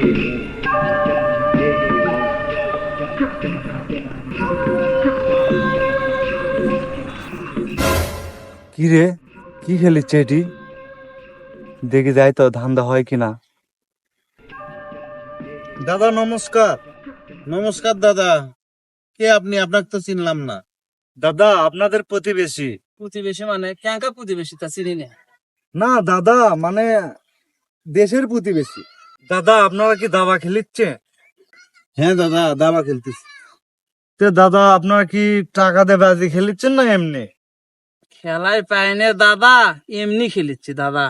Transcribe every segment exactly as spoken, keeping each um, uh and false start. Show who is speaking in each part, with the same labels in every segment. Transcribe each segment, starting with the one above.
Speaker 1: কি রে, কি খেলিচ্ছে এটি? দেখি যাই তো ধান্দা হয় কিনা।
Speaker 2: দাদা নমস্কার। নমস্কার দাদা, কে আপনি? আপনাকে তো চিনলাম না।
Speaker 1: দাদা আপনাদের প্রতিবেশী।
Speaker 3: প্রতিবেশী মানে ক্যাঙ্কা প্রতিবেশী তা চিনি না।
Speaker 1: না দাদা, মানে দেশের প্রতিবেশী। দাদা আপনারা কি দাবা খেলিচ্ছে?
Speaker 2: হ্যাঁ দাদা, দাবা খেলতেছি।
Speaker 1: তো দাদা আপনারা কি টাকা দিয়ে বাজি খেলিচ্ছেন না এমনি?
Speaker 3: খেলায় পাইনে দাদা, এমনি খেলিচ্ছি দাদা।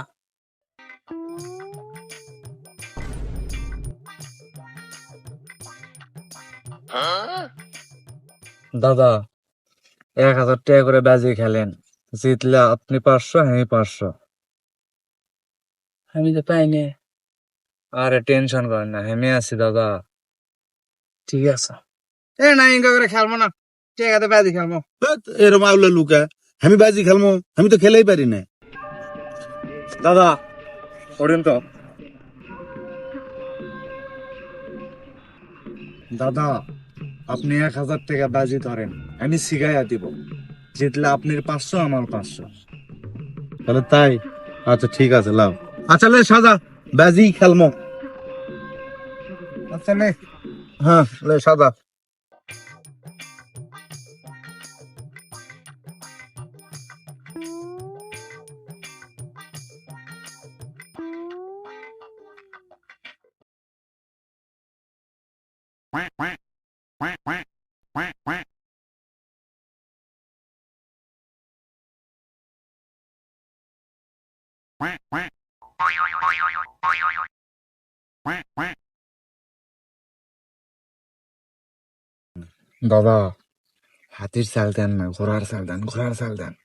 Speaker 1: দাদা এক হাজার টাকা করে বাজি খেলেন, জিতলে আপনি পাঁচশো, আমি পাঁচশো।
Speaker 3: আমি তো পাইনে।
Speaker 1: আরে টেনশন করেন না, আমি আছি দাদা।
Speaker 3: ঠিক আছে। এ না ইনকা করে খেলবো না, ঠিক আছে বাজি খেলবো।
Speaker 2: এরম আউলা লুকা, আমি বাজি খেলবো? আমি তো খেলেই পারি না।
Speaker 1: দাদা ওরেন তো। দাদা আপনি এক হাজার টাকা বাজি ধরেন, আমি শিখাইয়া দিব। জিতলে আপনার পাঁচশো, আমার পাঁচশো।
Speaker 2: তাহলে তাই? আচ্ছা ঠিক আছে, লাও। আচ্ছা লে সাজা, বাজি খেলবো।
Speaker 1: আচ্ছা নে।
Speaker 2: হ্যাঁ লে সাজা।
Speaker 1: দাদা হাতির চাল দেন না, ঘোড়ার চাল দেন, ঘোড়ার চাল দেন।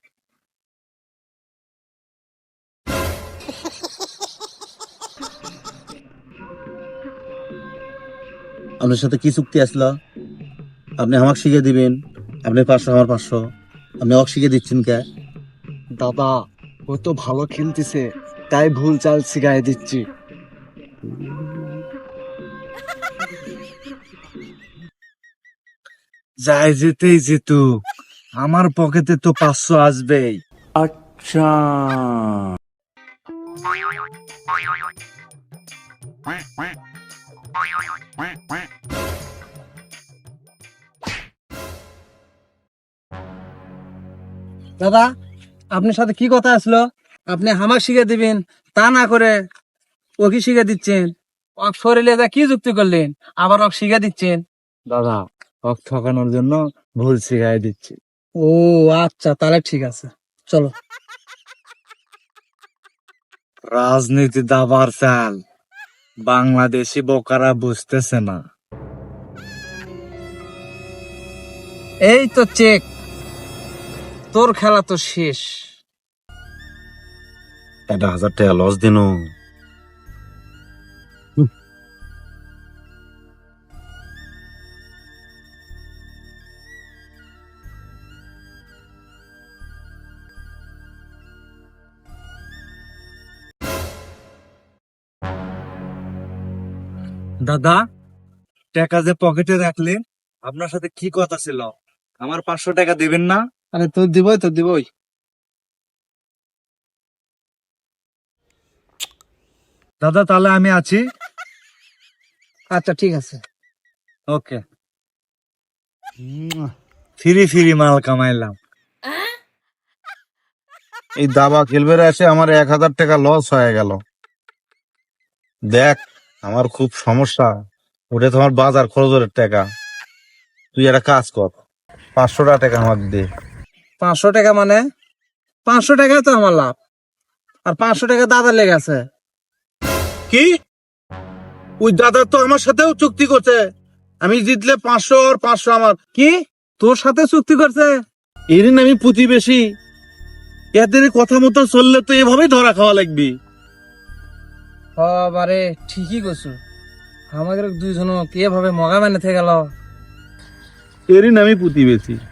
Speaker 2: আপনার সাথে কি চুক্তি আসলো? আপনি আমাকে শিখে দিবেন, আপনি পাঁচশো আমার পাঁচশো, আপনি আমাকে শিখে দিচ্ছেন কে?
Speaker 1: দাদা ও তো ভালো খেলতেছে, তাই ভুল চাল শিখাই দিচ্ছি। যাই যেতেই যেতু, আমার পকেটে তো পাঁচশো আসবেই। আচ্ছা
Speaker 3: দাদা আপনার সাথে কি কথা আসলো? আপনি হামাক শিখে দিবেন, তা না করে ওকে শিখে দিচ্ছেন। ওক শরীরে যা কি যুক্তি করলেন, আবার ওক শিখে দিচ্ছেন।
Speaker 1: দাদা ওক ঠকানোর জন্য ভুল শিখাই দিচ্ছি।
Speaker 3: ও আচ্ছা, তাহলে ঠিক আছে, চলো।
Speaker 1: রাজনীতি দাবার চাল বাংলাদেশি বোকারা বুঝতেছে না।
Speaker 3: এই তো চেক, তোর খেলা তো শেষ।
Speaker 2: একটা হাজার টাকা লস দিন।
Speaker 1: দাদা টাকা যে পকেটে রাখলেন, আপনার সাথে কি কথা ছিল? আমার পাঁচশো টাকা দিবেন না?
Speaker 3: আরে তোর দিবই, তোর দিবই।
Speaker 1: দাদা তাহলে আমি আছি।
Speaker 3: আচ্ছা ঠিক আছে।
Speaker 1: ওকে, ফিরি ফিরি মাল কামাইলাম।
Speaker 2: এই দাবা খেলবে এসে আমার এক হাজার টাকা লস হয়ে গেল। দেখ আমার খুব সমস্যা, ওটা তোমার বাজার খরচের টাকা। তুই একটা কাজ কর, পাঁচশো টাকা আমাকে দে।
Speaker 3: পাঁচশো টাকা মানে? পাঁচশো টাকা তো আমার লাভ, আর পাঁচশো টাকা দাদা লেগেছে।
Speaker 2: কি? ওই দাদা তো আমার সাথেও চুক্তি করছে, আমি জিতলে পাঁচশো আর পাঁচশো আমার।
Speaker 3: কি তোর সাথে চুক্তি করছে?
Speaker 2: এদিন আমি প্রতিবেশী, এদের কথা মতো চললে তো এভাবেই ধরা খাওয়া লাগবে।
Speaker 3: বারে ঠিকই করছো, আমাদের দুইজন এভাবে মগা মেনে থেকে গেল।
Speaker 2: এদিন আমি প্রতিবেশী।